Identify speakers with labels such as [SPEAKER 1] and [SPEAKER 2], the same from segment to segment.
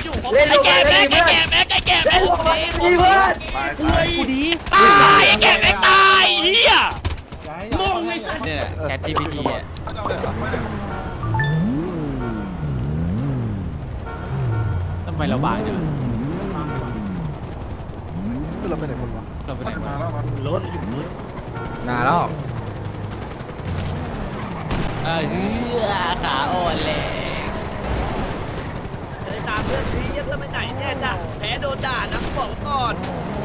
[SPEAKER 1] ไอ้แก่แม็กดีเพื่อนกูดีตายไอ้แก่แม็กตายเฮียมองไอ้สัตว์เนี่ยแชท GPT อ่ะทำไมเราบางจัง
[SPEAKER 2] เราไปไหนคนวะ
[SPEAKER 1] เราไปไหนมารถอยู่นี่
[SPEAKER 3] นานแล้ว
[SPEAKER 1] ขาอ่อนเลย
[SPEAKER 4] จะได้ตามเพื่อนทียังไม่ไหนแน่จ้ะแพ้โดนด่านะบอกก่อน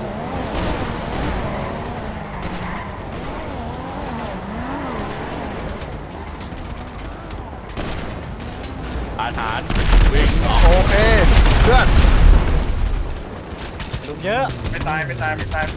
[SPEAKER 1] อาฐานวิ่ง
[SPEAKER 2] โอเคเพื่อน
[SPEAKER 1] ลุมเยอะ
[SPEAKER 2] ไม่ตาย
[SPEAKER 1] ได้เกิดตาย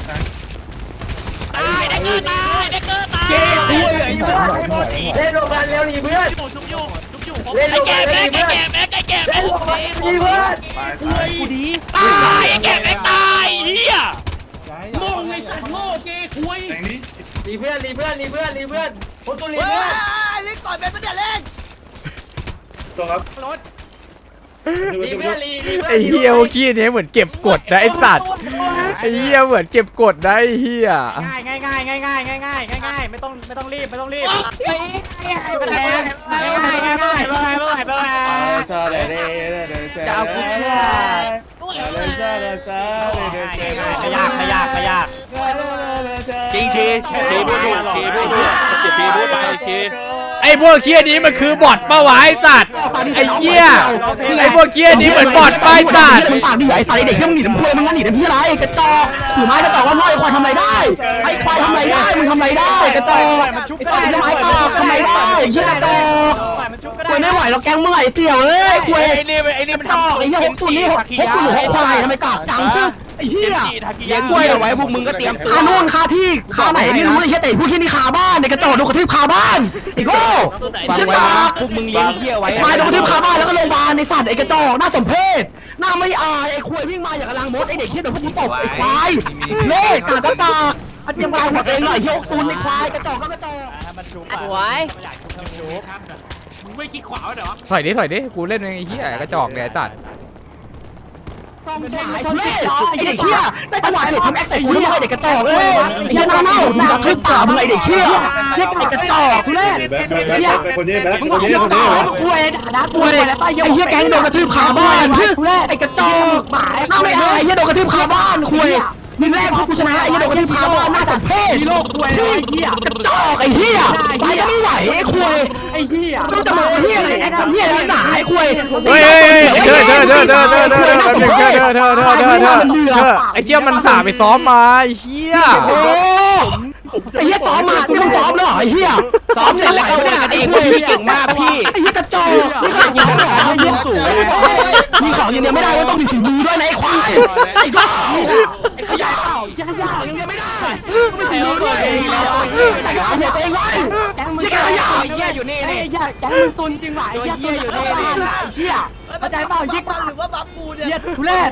[SPEAKER 1] เจ๊คุยไอ้เพื่อนเล่นโรงพยาบาลเร็วดิเพื่อนชุบอยู่เล่นโรงพยาบาลเร็วดิเพื่อนเล่นโรงพยาบาลดีเพื่อนกูดีตายไอ้แก่แม่ตายเฮียโง่ไอ้สัตว์โง่เจ๊คุยรีเพื่อนคนตัวรีเพื่อน
[SPEAKER 4] เล่นก่อนเป็นประเดี๋ยวเล่น
[SPEAKER 2] ตัวครับ
[SPEAKER 1] รถรีเพื่อนรี
[SPEAKER 3] ไอ้เฮียเมื่อกี้นี้เหมือนเก็บกดนะไอ้สัตว์ไอ้เฮียเหมือนเก็บกดนะไอ้เฮีย
[SPEAKER 1] ง่ายไม่ต้องรีบไม่จะเอากูเชื่อขยากจริงทีพูดไป
[SPEAKER 3] ไอ้พวกเคียนี้มันคือบอทปะวะไอ้สัตว์ไอ้เหี้ยไอ้พวกเคียนี้เหมือนบอทป้ายสัตว์
[SPEAKER 5] มันปากดีไอ้สายเด็กที่มึงหนีน้ำพุมึงหนีน้ำพี่ไรกระจอกถือไม้กระจอกว่าน้อยควายทำไรได้ไอ้ควายทำไรได้มึงทำไรได้กระจอกไอ้ไม้กอกทำไรได้เชี่ยกระจอกควายไม่ไหวเราแกงมึงไอ้เสี่ยวเอ้ยควาย
[SPEAKER 1] ไอ้นี่มัน
[SPEAKER 5] จอกไอ้เหี้ย60นี่60ควายทำไมกากจังไอ้เหี้ย
[SPEAKER 1] เลี้ยงกล้วยเอาไว้พวกมึงก็เตรียม
[SPEAKER 5] คานู่นคาที่คาไหนไม่รู้เลยเชี่ยแต่พวกที่นี่คาบ้านในกระจอกโดนกระทืบคาบ้านไอ้โง่เชี่ยกาก
[SPEAKER 1] พวกมึงเลี้ยงเหี้ยไว้
[SPEAKER 5] ควายโดนกระทืบคาบ้านแล้วก็โรงพยาบาลในสัตว์ไอ้กระจอกน่าสมเพชหน้าไม่อายไอ้ควายวิ่งมาอย่างกำลังมดไอ้เด็กเชี่ยโดนพวกกูตบไอ้ควายเล่กากกากอันเตรียมลายหัวเองหน่อยเชี่ย60ในควายกระจอกก็กระจอก
[SPEAKER 4] สวย
[SPEAKER 1] มึงไม่คิดขวาเหรอ
[SPEAKER 3] ถอยดิกูเล่นไอ้เหี้ยกระจอกเนี่ยไอ้สัตว์
[SPEAKER 5] ต้องใช้เล่ไอเด็กเขี้ยได้จังหวะเด็กทำแอคใส่กูแล้วมึงไอเด็กกระจอกเอ้ยเขี้ยเน่ามึงจะทึบขามึงไอเด็กเขี้ยเรียกไอกระจอกทุเรศเขี้ยมึงบอกเขี้ยต่อคุยด่าคุยไอเขี้ยแก๊งโดนกระทืบขาบ้านไอกระจอกหน้าไม่อายเขี้ยโดนกระทืบขาบ้านคุยมึงแรกพวกกูชนะไอ้เหี้ยโดนกระทืบคาบ้านหน้าสัตว์เพศ
[SPEAKER 1] ฮีโร่คุยไอ้เหี้ย
[SPEAKER 5] กระจอกไอ้เหี้ยไปก็ไม่ไหวไอ้คุย
[SPEAKER 1] ไอ้เหี้ย
[SPEAKER 5] ต้องจะโมเหี้ยอะไรแอคทำเหี้ยแล้วหนาไอ้คุย
[SPEAKER 3] ไอ้เหี้ยมันสาไปซ้อมมาไอ้เหี้ย
[SPEAKER 5] ไอ้เหี้ยซ้อมมาที่มึงซ้อมเหรอไอ้เหี้ย
[SPEAKER 1] ซ้อมเสร็จแล้วก็ว่ากันเองพี่เก่งมากพี่
[SPEAKER 5] ไอ้เหี้ยกระจอกนี่ขนาดยิงแล้วเหรอยิงสูงมีของยิงเดียวไม่ได้ว่าต้องมีฝีมือด้วยนะไอ้ควายไอ้บ้าไอ้ขยะยังยิงเดียวไม่ได้ไม่ฝีมือด้วยไอ้ขยะเองไว้แกงมึงขยะ
[SPEAKER 1] เหี้ยอยู่นี่นี่
[SPEAKER 5] แกงมึงซุนจริงไหว
[SPEAKER 1] เหี้ยอยู่นี่นี่
[SPEAKER 5] เหี้ยเข้าใจเปล่ายิง
[SPEAKER 4] หรือว่าบัฟกูเนี่ย
[SPEAKER 5] เหี้ยทุเรศ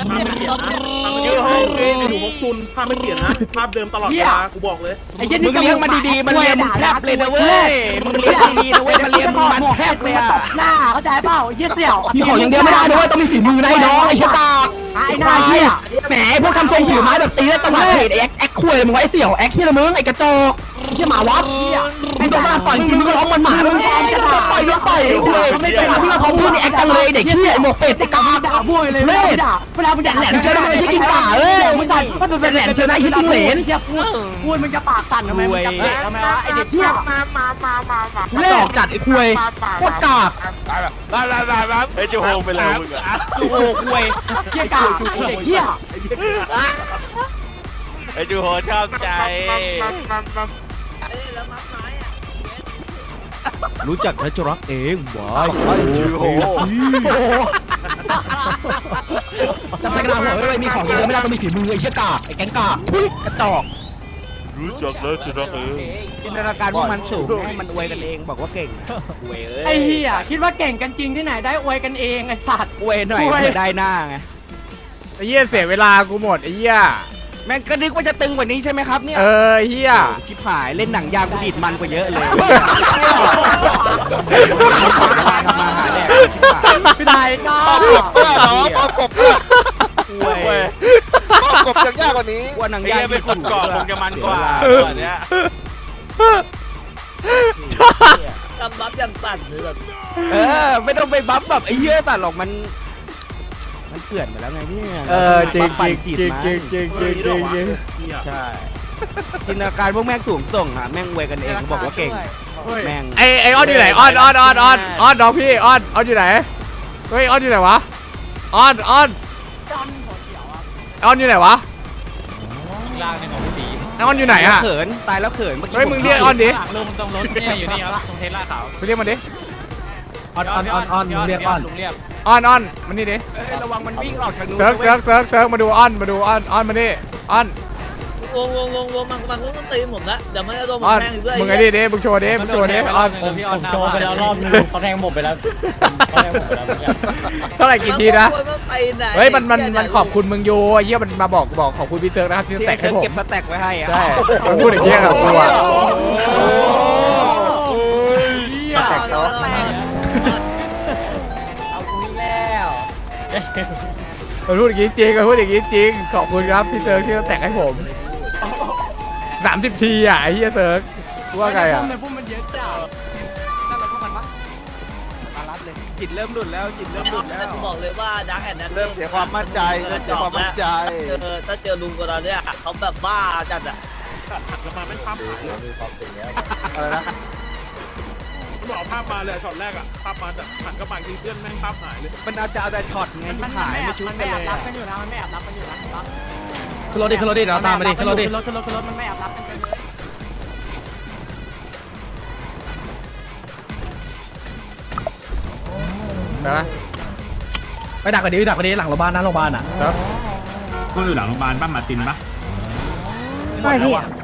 [SPEAKER 2] อยู่พกซุนภาพไม่เปลี่ยนนะภาพเดิมตลอดเวลากูบอกเลย
[SPEAKER 1] มึงเลี้ยงมันดีๆมันเลี้ยงมึงแทบเลยนะเว้ยมึงเลี้ยงดีๆนะเว้ยมันเลี้ยงมันแทบเลยอะ
[SPEAKER 5] หน้าเข้าใจเปล่าเหี้ยเสี่ยวมีของอย่างเดียวไม่ได้ด้วยต้องมีฝีมือนะไอ้น้องไอ้เชี่ยตาไอ้หน้าเหี้ยแหมพวกทำทรงถือไม้แบบตีแล้วตะวัดเพจแอคคุยมึงไว้เสี่ยวแอคที่ละมึงไอ้กระจอกเชี่ยหมาวัดไอ้โดนมาต่อยจริงมึงก็ร้องมันหมามึงต่อยไอ้คุยพี่มาพร้อมพูดนี่แอคจังเลยเด็กเหี้ยไอ้หมกเป็ดไอ้กาด่าบุ้ยเลยเล่เวลามึงแหลมเชื่อทำไมที่กินกาเอ้ยมึงก็เป็นแหลมเชื่อนะที่กินเหลนพูดมึงจะปากสั่นทำไมมึงจะเตะทำไมวะไอ้เด็กเหี้ยเล่จัดไอ้คุยโคตรกาก
[SPEAKER 1] ไอ้จูโฮไปเลยมึงอะจูโฮคุย
[SPEAKER 5] เหี้ยกากไอ้เด็กเหี้ย
[SPEAKER 1] ไอ้จูโฮชอบใจ
[SPEAKER 2] รู้จักและจะรักเองว้าย
[SPEAKER 5] โอ้จะใส่กระดาษหัวไม่มีของเยอะไม่ได้ต้องมีฝีมือไอ้เชี่ยกาไอ้แกงกากระจอก
[SPEAKER 2] รู้จักและจะรักเอง
[SPEAKER 1] จินตนาการพวกมันสูงให้มันอวยกันเองบอกว่าเก่งอวย
[SPEAKER 5] ไอ้เหี้ยคิดว่าเก่งกันจริงที่ไหนได้อวยกันเองไอ้สัตว์
[SPEAKER 1] อวยหน่อยได้หน้าไง
[SPEAKER 3] ไอ้เหี้ยเสียเวลากูหมดไอ้เหี้ย
[SPEAKER 5] แม่งก็นึกว่าจะตึงกว่านี้ใช่ไหมครับเนี่ย
[SPEAKER 3] เฮีย
[SPEAKER 5] ชิบหายเล่นหนังยางกูดีดมันกว่าเยอะเลยทำมาหาแดกชิบหาย
[SPEAKER 1] พี่ได้ก็
[SPEAKER 6] เพื่อนน้องกบเพื่อนกบยังยากกว่านี้
[SPEAKER 5] ว่าหนังยางเป็นคนก่อคงจะมันกว่า
[SPEAKER 2] เนี้ย
[SPEAKER 4] ทำบัฟอย่างสั่นเลยแบบ
[SPEAKER 5] ไม่ต้องไปบัฟแบบไอ้เหี้ยแต่หรอกมันเกลื่อนไปแล้วไงเนี่ย
[SPEAKER 3] จริง
[SPEAKER 5] ปั่น
[SPEAKER 3] จริ
[SPEAKER 5] จิ
[SPEAKER 3] ง
[SPEAKER 5] ต
[SPEAKER 3] จริง
[SPEAKER 5] มา
[SPEAKER 3] จริงจริงจริงจริง
[SPEAKER 5] ใช่จินตนาการพวกแม่งสูงส่งอะแม่งเวยกันเองเขาบอกว่าเก่งแม่ง
[SPEAKER 3] ไอออนอยู่ไหนออนน้องพี่ออนอยู่ไหนเฮ้ยออนอยู่ไหนวะออนอยู่ไหนวะ
[SPEAKER 1] ล่างในของพี่ตี
[SPEAKER 3] ไอออนอยู่ไหนอะ
[SPEAKER 5] เขินตายแล้วเขินเมื่อกี้
[SPEAKER 3] เฮ้ยมึงเรียกออนดิ
[SPEAKER 1] หลังลงตรงรถเนี่ยอยู่นี่ครับตรงเทสลาขาว
[SPEAKER 3] มึงเรียกมันดิ
[SPEAKER 1] ออนเรียกออนลุงเรียก
[SPEAKER 3] ออนมันนี่ดิ
[SPEAKER 5] ระวังมันวิ่งออกทางนู้น
[SPEAKER 3] เซิร์ฟมาดูออนมาดิออน
[SPEAKER 4] วงมันต้องตีผมละเดี๋ยวมันจะโดนผม
[SPEAKER 3] ออน
[SPEAKER 4] แทงอีกด้วย
[SPEAKER 3] มึงไอ้นี่ดิมึงโชว์ดิออน
[SPEAKER 1] ผมโชว์ไปแล้วรอบนึงเขาแทงผมไปแล้วเขาแทงผมไปแล้ว
[SPEAKER 3] เท่าไหร่กี่ทีนะ
[SPEAKER 4] มันตีไหน
[SPEAKER 3] เฮ้ยมันขอบคุณมึงอยู่ไอ้เหี้ยมันมาบอกขอบคุณพี่เซิร์ฟนะครับที่
[SPEAKER 5] ที่
[SPEAKER 3] แตกให้ผม
[SPEAKER 5] เก็บสแต็กไว้ให้อะ
[SPEAKER 3] ใช่มันพูดอย่างเงี้ยกับกูอะ
[SPEAKER 1] เอากูแล้ว
[SPEAKER 3] มันพูดอย่างงี้จริงขอบคุณครับพี่เซิร์ฟที่แตกให้ผม30 ทีอ่ะไอ้เหี้ยเซิร์ฟว่าไงอ่ะ
[SPEAKER 5] จิตเริ่มหลุดแล้วจิตเริ่มหลุดแล้ว
[SPEAKER 4] กูบอกเลยว่าดักแอนนั้น
[SPEAKER 6] เริ่มเสียความมั่นใจ
[SPEAKER 4] ถ้าเจอลุงกอนเนี่ยเขาแบบบ้าจัดอะ
[SPEAKER 2] แล้วมาไม่ภาพหาย
[SPEAKER 6] อะไรนะ
[SPEAKER 2] มันบอกภาพมาเลยช็อตแรกอะภาพมาแต่หันกระบะทีเพื่อนแม่งภาพหายเลย
[SPEAKER 5] มันเอาแต่ช็อตไงที่หายไม่ชุดกันเลย
[SPEAKER 1] ขึ้นรถดิเราตามมาดิขึ้นรถ
[SPEAKER 3] นะ
[SPEAKER 1] ไปดักกันดิหลังโรงพยาบาลนะโรงพยาบาลอ่ะ
[SPEAKER 3] ครับ
[SPEAKER 7] ก็อยู่หลังโรงพยาบาลป้ามาตินปะ
[SPEAKER 1] ไม่พี่